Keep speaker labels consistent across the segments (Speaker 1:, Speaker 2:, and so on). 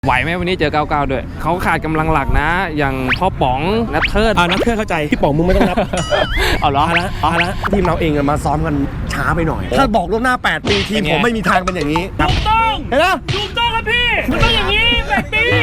Speaker 1: ไหวไหมวันนี้เจอ99ด้วยเขาขาดกำลังหลักนะอย่างพ่อป๋องนัทเทิด
Speaker 2: นัทเทิดเข้าใจพี่ป๋องมึงไม่ต้องนับ
Speaker 1: เอาเหรอ
Speaker 2: แล้วทีมเราเองมาซ้อมกันช้าไปหน่อยถ้าบอกล่วงหน้า8 ปีทีมผมไม่มีทางเป็นอย่างนี้
Speaker 3: ถูกต้อง
Speaker 2: เห็นไหม
Speaker 3: ถูกต้องครับพี่มันต้องอย่างนี้8 ปี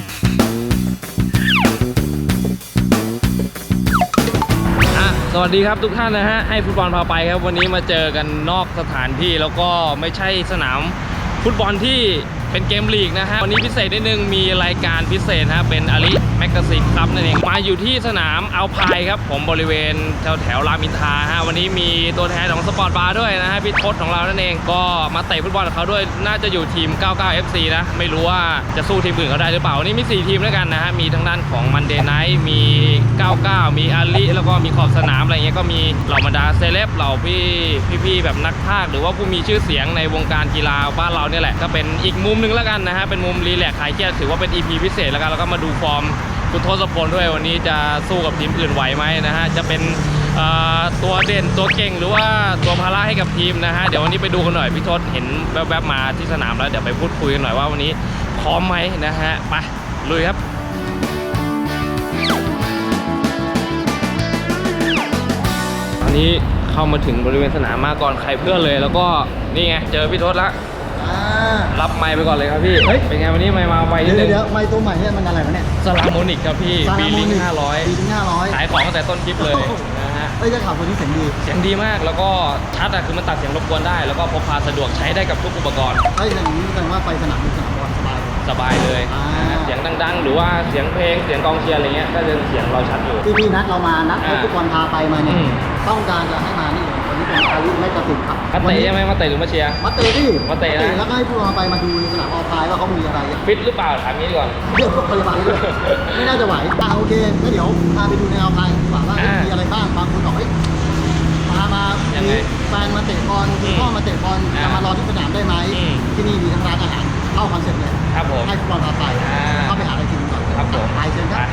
Speaker 1: สวัสดีครับทุกท่านนะฮะให้ฟุตบอลพาไปครับวันนี้มาเจอกันนอกสถานที่แล้วก็ไม่ใช่สนามฟุตบอลที่เป็นเกมลีกนะฮะวันนี้พิเศษนิดนึงมีรายการพิเศษฮะเป็นอาลีแมกกาซีนครับนั่นเองมาอยู่ที่สนามอัลพายครับผมบริเวณแถวรามอินทราฮะวันนี้มีตัวแทนของสปอร์ตบาร์ด้วยนะฮะพี่ทศของเรานั่นเองก็มาเตะฟุตบอลกับเขาด้วยน่าจะอยู่ทีม99 FC นะไม่รู้ว่าจะสู้ทีมอื่นเขาได้หรือเปล่าวันนี้มี4ทีมด้วยกันนะฮะมีทั้งด้านของมันเดย์ไนท์มี99มีอาลีแล้วก็มีขอบสนามอะไรเงี้ยก็มีเหล่าบรรดาเซเลบเหล่าพี่แบบนักพากย์หรือว่าผู้มีชื่อเสียงในวงการกีฬาบ้านเราเนี่ยแหละก็เป็นอีกมุมนึงแล้วกันนะฮะเป็นมุมรีแลกซ์คลายเครียดถือว่าเป็น EP พิเศษแล้วกันแล้วก็มาดูฟอร์มคุณทศพลด้วยวันนี้จะสู้กับทีมอื่นไหวไหมนะฮะจะเป็นตัวเด่นตัวเก่งหรือว่าตัวภาระให้กับทีมนะฮะเดี๋ยววันนี้ไปดูกันหน่อยพี่ทศเห็นแวบๆมาที่สนามแล้วเดี๋ยวไปพูดคุยกันหน่อยว่าวันนี้พร้อมไหมนะฮะไปลุยครับตอนนี้เข้ามาถึงบริเวณสนามมาก่อนใครเพื่อนเลยแล้วก็นี่ไงเจอพี่ทศแล้วรับไมค์ไปก่อนเลยครับพี่เป็นไงวันนี้ไมค์มาไวนิดนึง
Speaker 4: เดี๋ยวไมค์ตัวใหม่เนี่ยมันอะไรวะเนี่ย
Speaker 1: สลาโมนิกครับพี่บีลิง500ขายของตั้งแต่ต้นคลิปเลยนะฮะ
Speaker 4: จะขับวันนี้เสียง
Speaker 1: ดีมากแล้วก็ชัดอะคือมันตัดเสียงรบกวนได้แล้วก็พกพาสะดวกใช้ได้กับทุกอุปกรณ์
Speaker 4: อย่างนี้แสดงว่าไปสนามบอล
Speaker 1: สบายเลยเสียงดังๆหรือว่าเสียงเพลงเสียงกองเชียร์อะไรเงี้ยก็จะเสียงเราชัดอยู่
Speaker 4: ที่นัดเรามานัดให้ฟุตบอลพาไปมาเนี่ยต้องการจะให้มานี่วันนี้เป็นอาลีแมกกาซีนครับ
Speaker 1: มาเตะใช่ไหมมาเตะหรือมาเชียร์
Speaker 4: มาเตะที่
Speaker 1: มาเตะนะ
Speaker 4: แล้วก็ให้ฟุตบอลไปมาดูในสนามออลพายว่าเขามีอะไร
Speaker 1: ฟิตหรือเปล่าถามนี้ก่อน
Speaker 4: เรื่องพยาบาลด้วยไม่น่าจะไหวโอเคงั้นเดี๋ยวพาไปดูในออลพายดีกว่าว่ามีอะไรบ้างบางคนบอกเฮ้ยมาแฟนมาเตะบอลพ่อมาเตะบอลจะมารอที่สนามได้ไหมที่นี่มีทั้งร้านอาหารเข้าคอนเซ็ปต์เลย
Speaker 1: ครับผม
Speaker 4: ให้ฟุตบอลพาไปเข้าไปหาอะไรกินก่อน
Speaker 1: ครับผม
Speaker 4: ไปเชิญครับ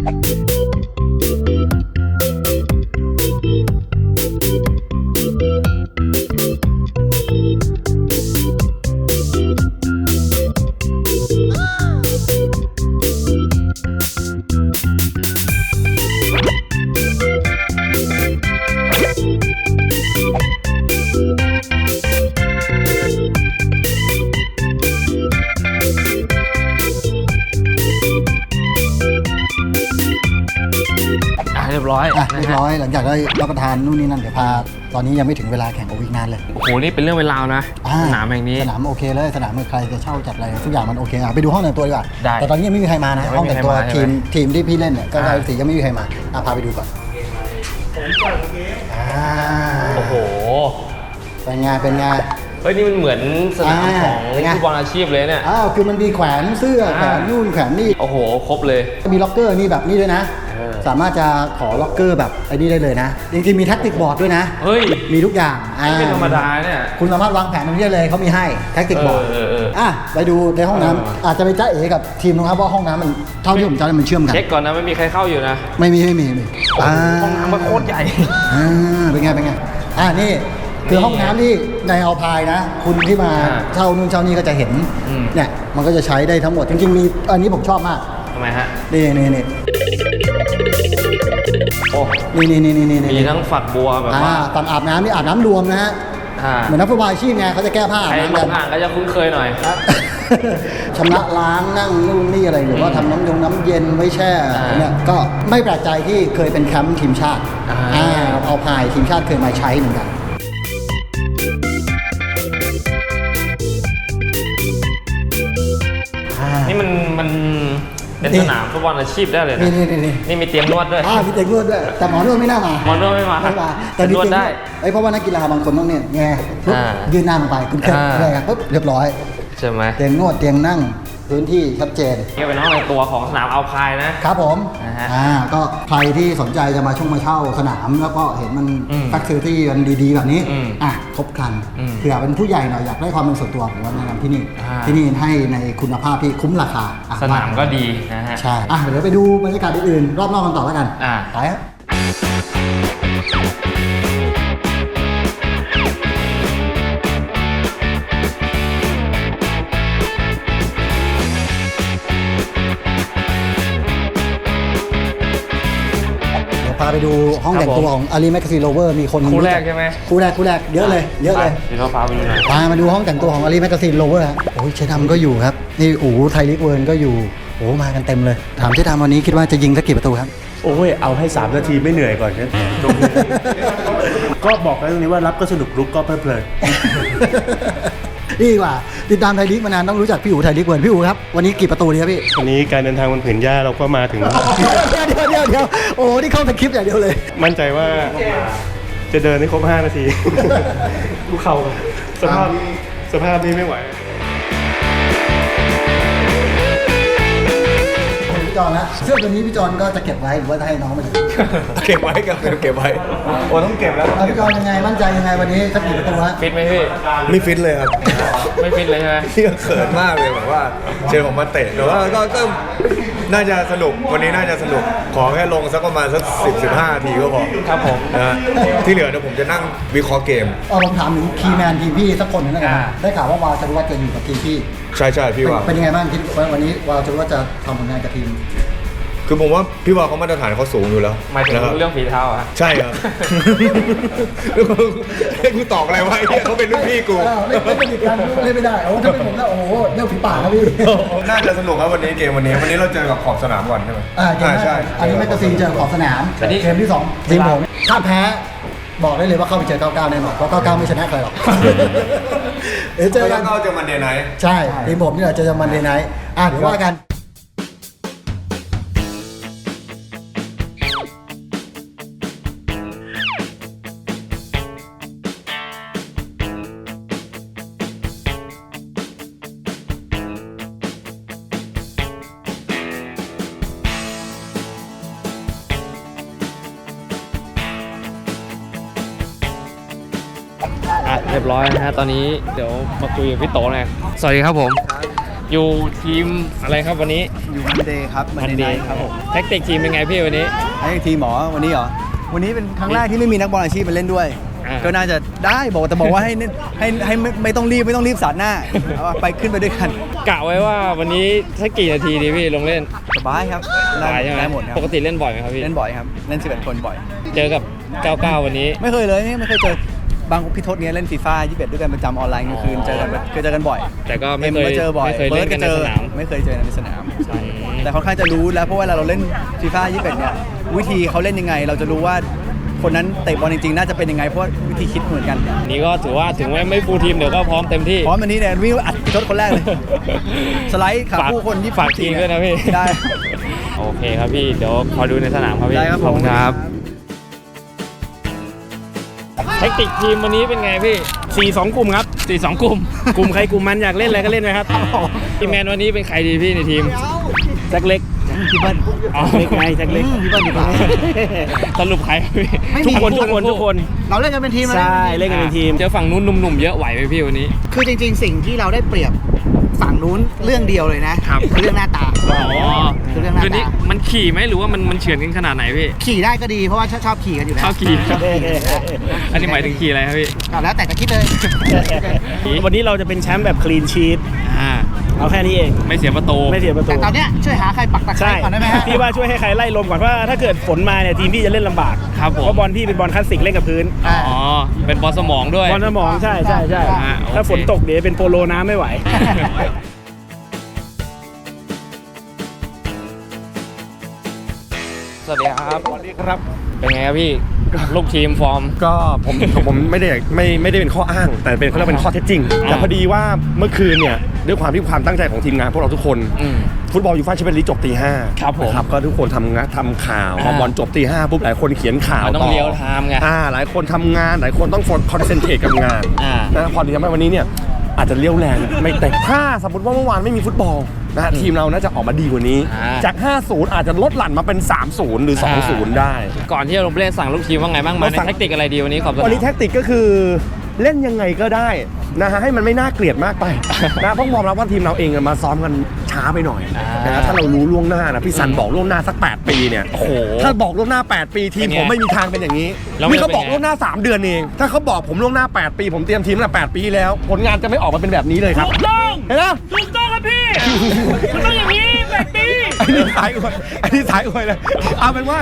Speaker 1: เรียบร้อย
Speaker 4: หลังจากได้รับประทานนู่นนี่นั่นเดี๋ยวพาตอนนี้ยังไม่ถึงเวลาแข่งอีกนานเลย
Speaker 1: โอ้โหนี่เป็นเรื่องเวลานะสนามแห่งนี้
Speaker 4: สนามโอเคเลยสนามใครจะเช่าจัดอะไรทุกอย่างมันโอเคไปดูห้องแต่งตัวดีกว่าแต่ตอนนี้ยังไม่มีใครมานะห้องแต่งตัวทีมที่พี่เล่นเนี่ยก็ได้สียังไม่มีใครมาพาไปดูก่อน
Speaker 1: โอ้โห
Speaker 4: เป็นไง
Speaker 1: เฮ้ยนี่มันเหมือนสนามของฟุตบอลอาชีพเลยเนี่ย
Speaker 4: คือมันมีแขวนเสื้อแขวนนู่นแขวนนี่
Speaker 1: โอ้โหครบเลย
Speaker 4: มีล็อกเกอร์นี่แบบนี้ด้วยนะสามารถจะขอล็อกเกอร์แบบไอ้นี่ได้เลยนะจริงๆมีแท็กติกบอร์ดด้วยนะ
Speaker 1: เฮ้ย
Speaker 4: มีทุกอย่าง
Speaker 1: ไม่ธรรมดาเนี่ย
Speaker 4: คุณสามารถวางแผนตรงนี้ได้เลยเขามีให้แท็กติกบอร์ดไปดูในห้องน้ำอาจจะไปจ้าเอ๋กับทีมนะครับว่าห้องน้ำมันเท่าที่ผมจำมันเชื่อมกัน
Speaker 1: เช็คก่อนนะไม่มีใครเข้าอยู่นะ
Speaker 4: ไม่มี
Speaker 1: ห้องน้ำมันโคตรใหญ่
Speaker 4: เป็นไงนี่คือห้องน้ำที่ในอัลพายนะคุณที่มาเช่านู่นเช่านี่ก็จะเห็นเนี่ยมันก็จะใช้ได้ทั้งหมดจริงๆมีอันนี้ผมชอบมาก
Speaker 1: ทำไมฮะ
Speaker 4: นี่
Speaker 1: โอ้
Speaker 4: นี่
Speaker 1: มีทั้งฝักบัวแบบว่า
Speaker 4: ฝั่งอาบน้ำนี่อาบน้ำรวมนะฮะเหมือนนักฟุตบอลอาชีพไงเขาจะแก้ผ้าอาบน้ำกัน
Speaker 1: ก็จะคุ้นเคยหน่อย
Speaker 4: ชำระล้างนั่งนู่นนี่อะไรหรือว่าทำน้ำเย็นไว้แช่เนี่ยก็ไม่แปลกใจที่เคยเป็นแคมป์ทีมชาติเอาพายทีมชาติเคยมาใช้เหมือนกัน
Speaker 1: นี่มันเป็นสนามฟุตบอลอาชีพได้เลยนะนี่มีเตียงนวดด้วย
Speaker 4: มีเตียงนวดด้วยแต่หมอนวดไม่น่ามาแต่นวดได้เพราะว่านักกีฬาบางคนต้องเนี่ยไงยืนนั่งไปคุณแค่อะไรครับปุ๊บเรียบร้อย
Speaker 1: ใช่ไหม
Speaker 4: เตียงนวดเตียงนั่งพื้นที่ชัดเจน
Speaker 1: นี่เป็นห้องในตัวของสนามอัลพายนะครับ
Speaker 4: ผมก็ใครที่สนใจจะมาเช่าสนามแล้วก็เห็นมันแฟคซิลิตี้มันดีๆแบบนี้ครบครันเผื่อเป็นผู้ใหญ่หน่อยอยากได้ความเป็นส่วนตัวผมว่าแนะนำที่นี่ให้ในคุณภาพที่คุ้มราคา
Speaker 1: สนามก็ดีนะฮะ
Speaker 4: ใช่เดี๋ยวไปดูบรรยากาศอื่นๆรอบนอกกันต่อแล้วกันไปครับพาไปดูห้องแต่งตัวของอารีแมกกาซีนโรเวอร์มีคน
Speaker 1: คู่แรกใช่ไหม
Speaker 4: คู่แรกเยอะเลยเยอะเลย
Speaker 1: เดี๋ยวเราพาไปดูหน่อย
Speaker 4: มาดูห้องแต่งตัวของอารีแมกกาซีนโรเวอร์โอ้ยเชดำก็อยู่ครับนี่อู๋ไทยลิกเวิร์นก็อยู่โอ้มากันเต็มเลยถามเชดำวันนี้คิดว่าจะยิงสักกี่ประตูครับ
Speaker 2: โอ้ยเอาให้3 นาทีไม่เหนื่อยก่อนนะก็บอกแล้วตรงนี้ว่ารับก็สนุกลุกก็เพลิดเพลิน
Speaker 4: นี่ดีกว่าติดตามไทยลีกมานานต้องรู้จักพี่อู๋ไทยลีกเวิร์นพี่อู๋ครับวันนี้กี่ประตูดีครับพี่
Speaker 2: วันนี้การเดินทางบนผืนหญ้าเราก็มาถึง
Speaker 4: เดี๋ยวโอ้นี่เข้าแต่คลิปอย่างเดียวเลย
Speaker 2: มั่นใจว่าจะเดินให้ครบ5 นาที ดูเข่าสภาพนี้ไม่ไหว
Speaker 4: พี่จอนนะเสื้อตัวนี้พี่จอนก็จะเก็บไว้หรือว่าจะให้น้องมาดู
Speaker 2: เก็บไว้ครับเก็บไว้โอ้ต้องเก็บแล้ว
Speaker 4: พี่จอนยังไงมั่นใจยังไงวันนี้สักกี่ประตูฮะ
Speaker 1: ฟิตไหมพี่
Speaker 2: ไม่ฟิตเลยครับ
Speaker 1: ไม่ฟิตเลยใช่ไหม
Speaker 2: พี่ก็เขินมากเลยแบบว่าเจอผมมาเตะแต่ว่าก็น่าจะสนุกวันนี้น่าจะสนุกขอแค่ลงสักประมาณสัก10-15 นาทีก็พอ
Speaker 1: ครับผม
Speaker 2: นะฮะที่เหลือเดี๋ยวผมจะนั่งวิเคราะห์เกม
Speaker 4: ผมถามถึงคีย์แมนทีมพี่สักคนหนึงแล้วกัน
Speaker 1: อ่า
Speaker 4: ได้ข่าวว่าวาวจะรู้ว่าจะอยู่กับทีมพี่
Speaker 2: ใช่พี่ว่า
Speaker 4: เป็นยังไงบ้างคิดว่าวันนี้วาวจะรู้ว่าจะทำผลงานกับทีม
Speaker 2: คือผมว่าพี่ว่าเขามาตรฐานเขาสูงอยู่แล้ว
Speaker 1: หมายถึง
Speaker 2: นะครับ
Speaker 1: เรื่องฝีเท้าอะ
Speaker 2: ใช่ครับ ให้กูตอบอะไรวะไอ้เนี่ยเขาเป็นรุ่นพี่กู
Speaker 4: เล่นไม่ได้กันเล่นไม่ได้โอ้ถ้าเป็นผมแล้วโอ้โหเรื่องฝีปากครับพี่
Speaker 2: น่าจะสนุกครับวันนี้เกมวันนี้เราเจอกับขอบสนามก่อนใช่ไหม
Speaker 4: เกมแรก
Speaker 2: ใช่
Speaker 4: อันนี้แมกกาซีนเจอขอบสนาม
Speaker 1: อันนี้
Speaker 4: เกมที่2ทีมผมถ้าแพ้บอกได้เลยว่าเข้าไปเจอ99แน่นอนเพราะ99ไม่ชนะใครหรอกเดี๋ยวเจ
Speaker 2: เจ
Speaker 4: อ
Speaker 2: อ
Speaker 4: กั
Speaker 2: กัน นก็เจอมันเดย์ไนท์
Speaker 4: ใช่ทีมผมนี่แหละเจอมันเดย์ไนท์เดี๋ยวว่ากัน
Speaker 1: เรียบร้อยนะฮะตอนนี้เดี๋ยวมาคุยกับพี่โตหน่อยสวัสดีครับผม อยู่ทีมอะไรครับวันนี้
Speaker 5: อยู่มันเดย์ครับมันเดย์ครับผม
Speaker 1: แท็กติกทีมเป็นไงพี่วันนี้
Speaker 5: ไอ้ทีมหมอวันนี้เหรอวันนี้เป็นครั้งแรกที่ไม่มีนักบอลอาชีพมาเล่นด้วย
Speaker 1: อ่า
Speaker 5: ก็น่าจะได้บอกว่าให้เล่นให้ไม่ต้องรีบสาดหน้าเอาไปขึ้นไปด้วยกัน
Speaker 1: กะไว้ว่าวันนี้สักกี่นาทีดีพี่ลงเล่น
Speaker 5: สบายครับ
Speaker 1: สบายใช่ไหม
Speaker 5: ได้หมดครับ
Speaker 1: ปกติเล่นบ่อยไหมครับพี่
Speaker 5: เล่นบ่อยครับเล่น11 คนบ่อย
Speaker 1: เจอกับ 99 วันนี้
Speaker 5: ไม่เคยเลยไม่เคยเจอบางพี่ทศเนี้ยเล่นฟีฟ่า21ด้วยกันประจำออนไลน์กลางคืนเจอกันบ่อย
Speaker 1: แต่ก็ไม่เคย
Speaker 5: ก็เจอบ่อย
Speaker 1: ไม่เคยเล่นกันในสนาม
Speaker 5: ไม่เคยเจอในสนาม แต่ค่อนข้างจะรู้แล้วเพราะว่าเราเล่นฟีฟ่า21เนี่ยวิธีเขาเล่นยังไง เราจะรู้ว่าคนนั้นเตะบอลจริงๆน่าจะเป็นยังไงเพราะว่าวิธีคิดเหมือนกัน
Speaker 1: นี่ก็ถือว่าถึงไม่ฟูลทีมเดี๋ยวก็พร้อมเต็มที่
Speaker 5: พร้อมวันนี้เนี่ยวิ่งอัดพี่ทศคนแรกเลย สไลด์ขาคู่คน20
Speaker 1: ฝากทีมด้วยนะพี่
Speaker 5: ได้
Speaker 1: โอเคครับพี่เดี๋ยวขอดูในสนามครับพี่
Speaker 5: ได้ครับ
Speaker 1: ขอบคุณครับแทคติกทีมวันนี้เป็นไงพี่
Speaker 3: 4-2 กลุ่มครับ
Speaker 1: 4-2 กลุ่ม
Speaker 3: กลุ่มใครกลุ่มมันอยากเล่นอะไรก็เล่นไปครับ
Speaker 1: ทีมแมนวันนี้เป็นใครดีพี่ในทีม
Speaker 3: แจ็คเล็ก
Speaker 5: พี่เบิ้ล
Speaker 1: อ๋อ
Speaker 3: เล็กไงแจ็คเล็ก
Speaker 5: พี่เบิ้ลดีกว่า
Speaker 1: สรุปใครครับพี่
Speaker 3: ทุกคนทุกคน
Speaker 5: เราเล่นกันเป็นทีม
Speaker 3: ใช่เล่นกันเป็นทีม
Speaker 1: เจอฝั่งนู้นหนุ่มๆเยอะไหวไหมพี่วันนี้
Speaker 5: คือจริงๆสิ่งที่เราได้เปรียบฝั่งนู้นเรื่องเดียวเลยนะครับ คือเรื่องหน้าตา
Speaker 1: อ๋อ
Speaker 5: คือเรื่องหน้า
Speaker 1: คืนนี้
Speaker 5: ตา
Speaker 1: มันขี่ไหมหรือว่ามันเฉือนกันขนาดไหนพี่
Speaker 5: ขี่ได้ก็ดีเพราะว่าชอบขี่กันอยู่แล้ว
Speaker 1: เข้าขี่อันนี้หมายถึงขี่อะไรครับพี่
Speaker 5: แล้วแต่จะคิดเลย
Speaker 3: วันนี้เราจะเป็นแชมป์แบบคลีนชีต
Speaker 1: อ่า
Speaker 3: เอาแค่นี้เอง
Speaker 1: ไม่เสียประตู
Speaker 3: ไม่เสียประตู
Speaker 5: แต่ตอนเนี้ยช่วยหาใครปักตะไคร้
Speaker 3: ใช่
Speaker 5: ก่อนได้ไหมฮะ
Speaker 3: พี่ว่าช่วยให้ใครไล่ลมก่อนเพราะว่าถ้าเกิดฝนมาเนี่ยทีมพี่จะเล่นลำบาก
Speaker 1: ครับผม
Speaker 3: เพราะบอลพี่เป็นบอลคลาสสิกเล่นกับพื้น
Speaker 5: อ่า
Speaker 1: อ๋อเป็นบอลสมองด้วย
Speaker 3: บอลสมองใช่
Speaker 1: อ่าโอเค
Speaker 3: ถ้าฝนตกเดี๋ยวเป็นโปโลน้ำไม่ไหว
Speaker 1: สวัสดีครับ สวัสดีครับ เป็นไงครับพี่ ลูกทีมฟอร์ม
Speaker 2: ก็ผมไม่ได้เป็นข้ออ้าง แต่เป็นเขาเรียกเป็นข้อเท็จจริง แต่พอดีว่าเมื่อคืนเนี่ยด้วยความที่ความตั้งใจของทีมงานพวกเราทุกคน
Speaker 1: อืม
Speaker 2: ฟุตบอลยูฟ่าแชมเปี้ยนลีกจบตี 5
Speaker 1: ครับผม
Speaker 2: นะครับก็ทุกคนทำข่าวพอบอลจบตี 5ปุ๊บหลายคนเขียนข่าว
Speaker 1: มันต้อง
Speaker 2: ต่
Speaker 1: เรียลไทม์ไง
Speaker 2: หลายคนทำงานหลายคนต้องคอนเซนเทรตกับงาน นะพอดีทำให้วันนี้เนี่ยอาจจะเลี้ยวแรงไม่เตะถ้าสมมติว่าเมื่อวานไม่มีฟุตบอลนะฮะทีมเราน่าจะออกมาดีกว่านี้ จาก 5-0 อาจจะลดหลั่นมาเป็น 3-0 หรือ 2-0 ได้
Speaker 1: ก่อนที่จะลงเล่นสั่งลูกทีมว่าไงบ้างมาในแทคติกอะไรดีวันนี้ขอบคุณ
Speaker 2: วันนี้แท็กติกก็คือเล่นยังไงก็ได้นะฮะให้มันไม่น่าเกลียดมากไปนะเพราะยอมรับว่าทีมเราเองมาซ้อมกันช้าไปหน่อยนะถ้าเรารู้ล่วงหน้านะพี่ซันบอกล่วงหน้าสัก8 ปีเนี่ย
Speaker 1: โอ้โห
Speaker 2: ถ้าบอกล่วงหน้า8 ปีทีมผมไม่มีทางเป็นอย่างนี้
Speaker 1: แล้วมัน
Speaker 2: นี่เขาบอก
Speaker 1: เป็นไง
Speaker 2: ล่วงหน้า3 เดือนเองถ้าเขาบอกผมล่วงหน้า8 ปีผมเตรียมทีมตั้งแต่8 ปีแล้วผลงานจะไม่ออกมาเป็นแบบนี้เลยครับ
Speaker 3: ถูกต้อง
Speaker 2: เห็นไหม
Speaker 3: ถูกต้องครับพี่ มันต้องอย่างนี้แบบนี้
Speaker 2: อันนี้สายอวยเลยเอาเป็นว่า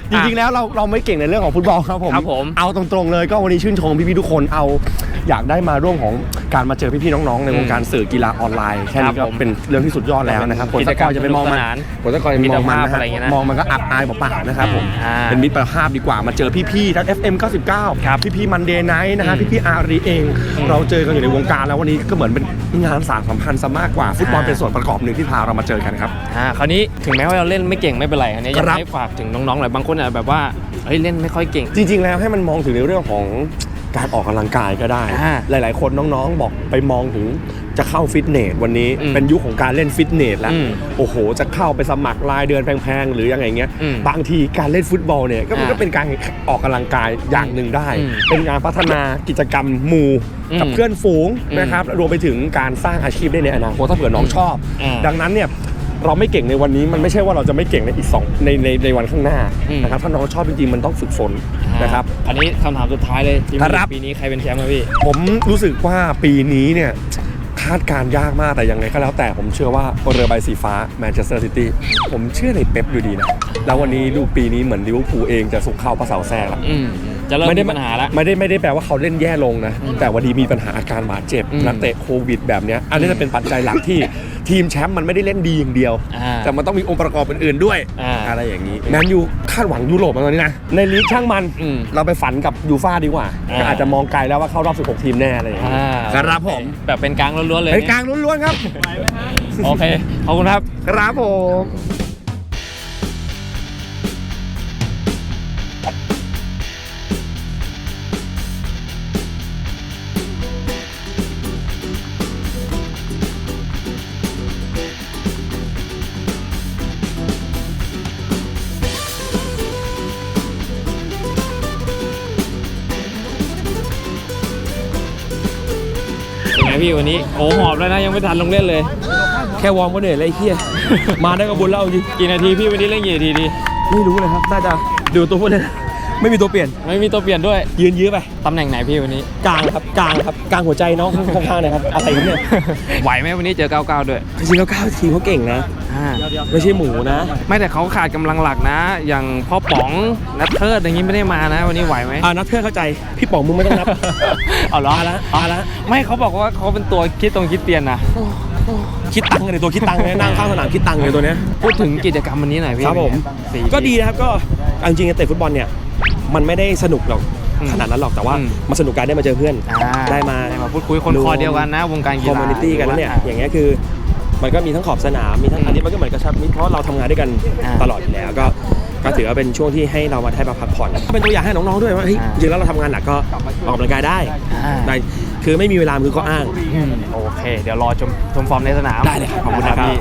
Speaker 2: จริงๆแล้วเราไม่เก่งในเรื่องของฟุตบอลครับผม
Speaker 1: ครับผม
Speaker 2: เอาตรงๆเลยก็วันนี้ชื่นชมพี่ๆทุกคนอยากได้มาร่วมของการมาเจอพี่ๆน้องๆในวงการสื่อกีฬาออนไลน์แค่นี้ก็เป็นเรื่องที่สุดยอดแล้วนะครับ
Speaker 1: กิจกรรม
Speaker 2: จะไปมองมัน
Speaker 1: สนุกสนาน
Speaker 2: ผลตะกอนจะไปมองมัน
Speaker 1: มิตรภาพ
Speaker 2: นะ
Speaker 1: อะไรอย่างเงี้ยนะ
Speaker 2: มองมันก็อับอายเปล่าๆนะครับผม
Speaker 1: อ่า
Speaker 2: เป็นมิตรภาพดีกว่ามาเจอพี่ๆทั้ง FM 99
Speaker 1: ครับ
Speaker 2: พี่ๆมันเดย์ไนท์นะครับพี่ๆอารีเอง เราเจอกันอยู่ในวงการแล้ววันนี้ก็เหมือนเป็นงานสานสัมพันธ์ซะมากกว่าฟุตบอลเป็นส่วนประกอบหนึ่งที่พาเรามาเจอกันครับ
Speaker 1: คราวนี้ถึงแม้ว่าเราเล่นไม่เก่งไม่เป็นไรอันนี้อยาก
Speaker 2: ครับ
Speaker 1: ให้ฝากถึงน้องๆหน่อยบางคนอาจจะแบบว่าเฮ้ยเล่นไม่ค่อยเก่ง
Speaker 2: จริงๆ แล้วให้มันมองถึงในเรื่องของการออกกำลังกายก็ได้
Speaker 1: อ่า
Speaker 2: หลายๆ คนน้องๆ บอกไปมองถึงจะเข้าฟิตเนสวันนี้
Speaker 1: อืม
Speaker 2: เป็นยุคของการเล่นฟิตเนสแล้ว
Speaker 1: อืม
Speaker 2: โอ้โห จะเข้าไปสมัครรายเดือนแพงๆ หรือยังไงเงี้ย
Speaker 1: อืม
Speaker 2: บางทีการเล่นฟุตบอลเนี่ยมันก็เป็นการออกกำลังกายอย่างหนึ่งได้
Speaker 1: อืม
Speaker 2: เป็นการพัฒนากิจกรรมหมู่กับ
Speaker 1: อืม
Speaker 2: เพื่อนฝูง
Speaker 1: อืม
Speaker 2: นะครับรวมไปถึงการสร้างอาชีพได้ในอนาคตถ้าเผื่อน้องชอบ
Speaker 1: อ่า
Speaker 2: ดังนั้นเนี่ยเราไม่เก่งในวันนี้มันไม่ใช่ว่าเราจะไม่เก่งในอีกในวันข้างหน้า
Speaker 1: อืม
Speaker 2: นะครับถ้าน้องชอบจริงๆมันต้องฝึกฝนนะครับ
Speaker 1: อันนี้คำถามสุดท้ายเลยทีม
Speaker 2: ครับ
Speaker 1: ปีนี้ใครเป็นแชมป์ครับพี่
Speaker 2: ผมรู้สึกว่าปีนี้เนี่ยคาดการณ์ยากมากแต่ยังไงก็แล้วแต่ผมเชื่อว่าเรือใบสีฟ้าแมนเชสเตอร์ซิตี้ผมเชื่อในเป๊ปอยู่ดีนะแล้ววันนี้ดูปีนี้เหมือนลิเวอร์พูลเองจะสุกเข้าพระเสาแทรกแล้ว
Speaker 1: จะเริ่มมีปัญหาแล้ว
Speaker 2: ไม่ได้แปลว่าเขาเล่นแย่ลงนะแต่วันนี้มีปัญหาอาการบาดเจ็บ
Speaker 1: อืม
Speaker 2: นักเตะโควิดแบบเนี้ยอันนี้จะเป็นปัจจัยหลักที่ทีมแชมป์มันไม่ได้เล่นดีอย่างเดียว
Speaker 1: อ่า
Speaker 2: แต่มันต้องมีองค์ประกอบอื่นๆด้วย
Speaker 1: อ่า
Speaker 2: อะไรอย่างนี้แมนยูคาดหวังยุโรปมาตอนนี้นะในลีกช่างมัน
Speaker 1: อืม
Speaker 2: เราไปฝันกับยูฟ่าดีกว่า
Speaker 1: อ่า
Speaker 2: ก็อาจจะมองไกลแล้วว่าเข้ารอบ16ทีมแน่อะไรอย่างนี้ครับผม
Speaker 1: แบบเป็นกลางล้วนๆเลย
Speaker 2: เป็นกลางล้วนๆครับ
Speaker 1: โอเค ขอบคุณครับ
Speaker 2: ครับผม
Speaker 1: เป็นไงพี่วันนี้โอ้หอบแล้วนะยังไม่ทันลงเล่นเลย
Speaker 2: แค่วอร์มก็เหนื่อยเลยไอ้เฮีย มาได้ก็บุญแล้วจริง
Speaker 1: กี่นาทีพี่วันนี้เล่นกี่นาทีดี
Speaker 2: ไม่รู้เลยครับน่าจะดูตัวพวกนี้ไม่มีตัวเปลี่ยน
Speaker 1: ไม่มีตัวเปลี่ยนด้วย
Speaker 2: ยืนยื้อไป
Speaker 1: ตำแหน่งไหนพี่วันนี้
Speaker 2: กลางครับกลางครับกลางหัวใจน้องข้างๆเลยครับอะไรครับเนี่ย
Speaker 1: ไหวไหมวันนี้เจอ99ด้วย
Speaker 2: จริงๆแล้วก้าวทีมเขาเก่งนะ
Speaker 1: อ่า
Speaker 2: ไม่ใช่หมูนะ
Speaker 1: ไม่แต่เขาขาดกำลังหลักนะ อย่างพ่อป๋องนัทเทิร์ดอย่างนี้ไม่ได้มานะ วันนี้ไหวไหม
Speaker 2: นักเพื่อนเข้าใจพี่ป๋องมึงไม่ต้องนับ
Speaker 1: เอาเหรอ
Speaker 2: เอาละ
Speaker 1: ไม่เขาบอกว่าเขาเป็นตัวคิดตรงคิดเตียนนะ
Speaker 2: คิดตังค์เลยตัวคิดตังค์เลยนั่งข้างสนามคิดตังค์เลยตัวเนี้ย
Speaker 1: พูดถึงกิจกรรมวันนี้หน่อยพี่
Speaker 2: ครับผม
Speaker 1: สี่
Speaker 2: ก็ดีนะครับก็เอาจริงๆเตะฟุตบอลเนี่ยมันไม่ได้สนุกหรอก
Speaker 1: อืม
Speaker 2: ขนาดนั้นหรอกแต่ว่า
Speaker 1: อืม
Speaker 2: มันสนุกการได้มาเจอเพื่อน
Speaker 1: อ่า
Speaker 2: ได้มา
Speaker 1: พูดคุยคนคอเดียวกันนะ วงการกี
Speaker 2: คอม
Speaker 1: ฬา
Speaker 2: มูนิตี้กันแล้วเนี่ยอย่างเงี้ยคือมันก็มีทั้งขอบสนามมีทั้งอันนี้มันก็เหมือนกระชับมิตรเพราะเราทำงานด้วยกัน
Speaker 1: อ่า
Speaker 2: ตลอดอยู่แล้วก็ถือว่าเป็นช่วงที่ให้เรามาได้มาพักผ่อนก็เป็นตัวอย่างให้น้องๆด้วยว่าเฮ้ย
Speaker 1: อ่า
Speaker 2: จริงๆแล้วเราทำงานหนักก็ออกกำลังกายได้
Speaker 1: อ่า
Speaker 2: ได้คือไม่มีเวลาคือก็อ้าง
Speaker 1: โอเค เดี๋ยวรอชมฟอร์มในสนาม
Speaker 2: ได้เลยครับ
Speaker 1: ขอบคุณนะครับพี่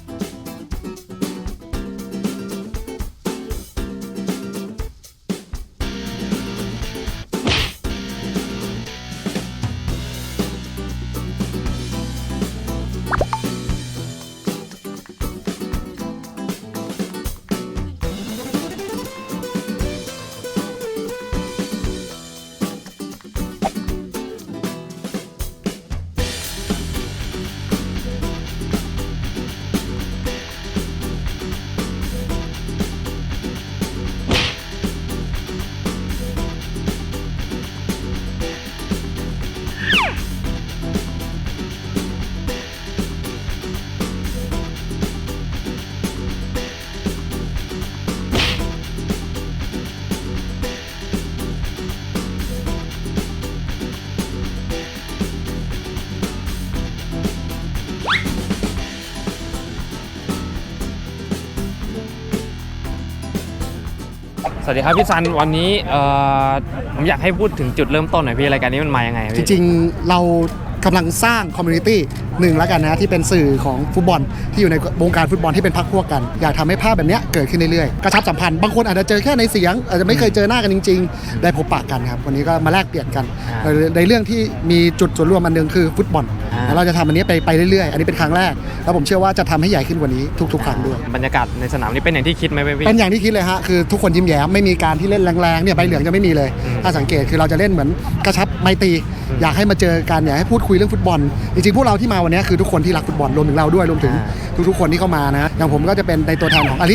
Speaker 1: สวัสดีครับพี่ซันวันนี้ผมอยากให้พูดถึงจุดเริ่มต้นหน่อยพี่รายการนี้มันมายังไง
Speaker 4: จ
Speaker 1: พี่
Speaker 4: ริงๆเรากำลังสร้างคอมมูนิตี้หนึ่งแล้วกันนะที่เป็นสื่อของฟุตบอลที่อยู่ในวงการฟุตบอลที่เป็นพรรคพวกกัน อยากทำให้ภาพแบบเนี้ยเกิดขึ้นเรื่อยๆกระชับสัมพันธ์บางคนอาจจะเจอแค่ในเสียงอาจจะไม่เคยเจอหน้ากันจริง ๆ ได้พบปะกันครับวันนี้ก็มาแลกเปลี่ยนกันในเรื่องที่มีจุดส่วนร่วมอันหนึงคือฟุตบอลแล้วเราจะทำอันนี้ไปเรื่อยๆอันนี้เป็นครั้งแรกแล้วผมเชื่อว่าจะทำให้ใหญ่ขึ้นกว่านี้ทุกๆครั้งด้วย
Speaker 1: บรรยากาศในสนามนี้เป็นอย่างที่คิดไหมพี่
Speaker 4: เป็นอย่างที่คิดเลยฮะคือทุกคนยิ้มแย้มไม่มีการที่เล่นแรงๆเนี่ยใบเหลืองจะไม่มีเลย ถ้าสังเกตคือเราจะเล่นเหมือนกระชับไมตรีอยากให้มาเจอกันอยากให้พูดคุยเรื่องฟุตบอลจริงๆพวกเราที่มาวันนี้คือทุกคนที่รักฟุตบอลรวมถึงเราด้วยรวมถึงทุกๆคนที่เข้ามานะอย่างผมก็จะเป็นในตัวแทนของอาลิ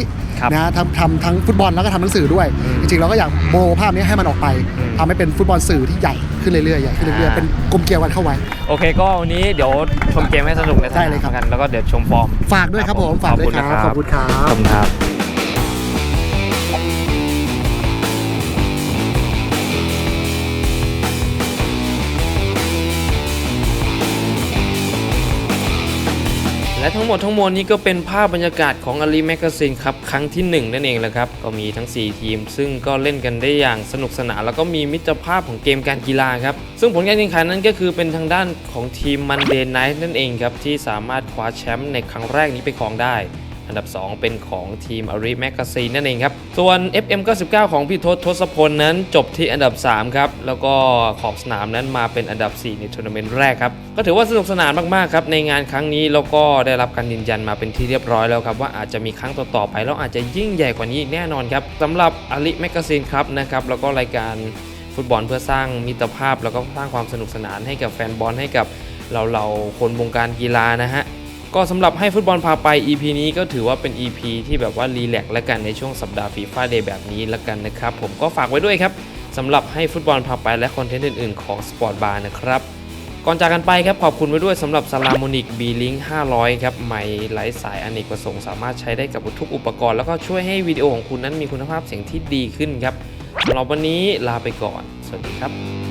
Speaker 4: นะทำทั้งฟุตบอลแล้วก็ทำหนังสือด้วย จริงๆเราก็อยากโมภาพนี้ให้มันออกไปทำให้เป็นฟุตบอลสื่อที่ใหญ่ขึ้นเรื่อยๆใหญ่ขึ้นเรื่อยๆเป็นกลมเกลียวกันเข้าไว้
Speaker 1: โอเคก็วันนี้เดี๋ยวชมเกมให้สนุกในส
Speaker 4: ได้
Speaker 1: นาม
Speaker 4: เลยครับ
Speaker 1: กันแล้วก็เดี๋ยวชมฟอร์ม
Speaker 4: ฝากด้วยครับผมฝากด้วยครับขอบคุณครั
Speaker 1: ขอ
Speaker 4: บบ
Speaker 1: คุณครับ และทั้งหมดทั้งมวลนี้ก็เป็นภาพบรรยากาศของอาลีแมกกาซีนครับครั้งที่1นั่นเองแหละครับก็มีทั้ง4ทีมซึ่งก็เล่นกันได้อย่างสนุกสนานแล้วก็มีมิตรภาพของเกมการกีฬาครับซึ่งผลการแข่งขันนั้นก็คือเป็นทางด้านของทีมมันเดย์ไนท์นั่นเองครับที่สามารถคว้าแชมป์ในครั้งแรกนี้ไปครองได้อันดับ2เป็นของทีมอารีแมกกาซีนนั่นเองครับส่วน FM99 ของพี่ทศพลนั้นจบที่อันดับ3ครับแล้วก็ขอบสนามนั้นมาเป็นอันดับ4ในทัวร์นาเมนต์แรกครับก็ถือว่าสนุกสนานมากๆครับในงานครั้งนี้แล้วก็ได้รับการยืนยันมาเป็นที่เรียบร้อยแล้วครับว่าอาจจะมีครั้งต่อๆไปแล้วอาจจะยิ่งใหญ่กว่านี้แน่นอนครับสำหรับอารีแมกกาซีนครับนะครับแล้วก็รายการฟุตบอลเพื่อสร้างมิตรภาพแล้วก็สร้างความสนุกสนานให้กับแฟนบอลให้กับเราคนวงการกีฬานะฮะก็สำหรับให้ฟุตบอลพาไป EP นี้ก็ถือว่าเป็น EP ที่แบบว่ารีแลกซ์และกันในช่วงสัปดาห์ฟีฟ่าเดย์แบบนี้ละกันนะครับผมก็ฝากไว้ด้วยครับสำหรับให้ฟุตบอลพาไปและคอนเทนต์อื่นๆของสปอร์ตบาร์นะครับก่อนจากกันไปครับขอบคุณไว้ด้วยสำหรับซาลาโมนิก B-Link 500ครับไมค์ไร้สายอเนกประสงค์สามารถใช้ได้กับทุกอุปกรณ์แล้วก็ช่วยให้วิดีโอของคุณนั้นมีคุณภาพเสียงที่ดีขึ้นครับสำหรับวันนี้ลาไปก่อนสวัสดีครับ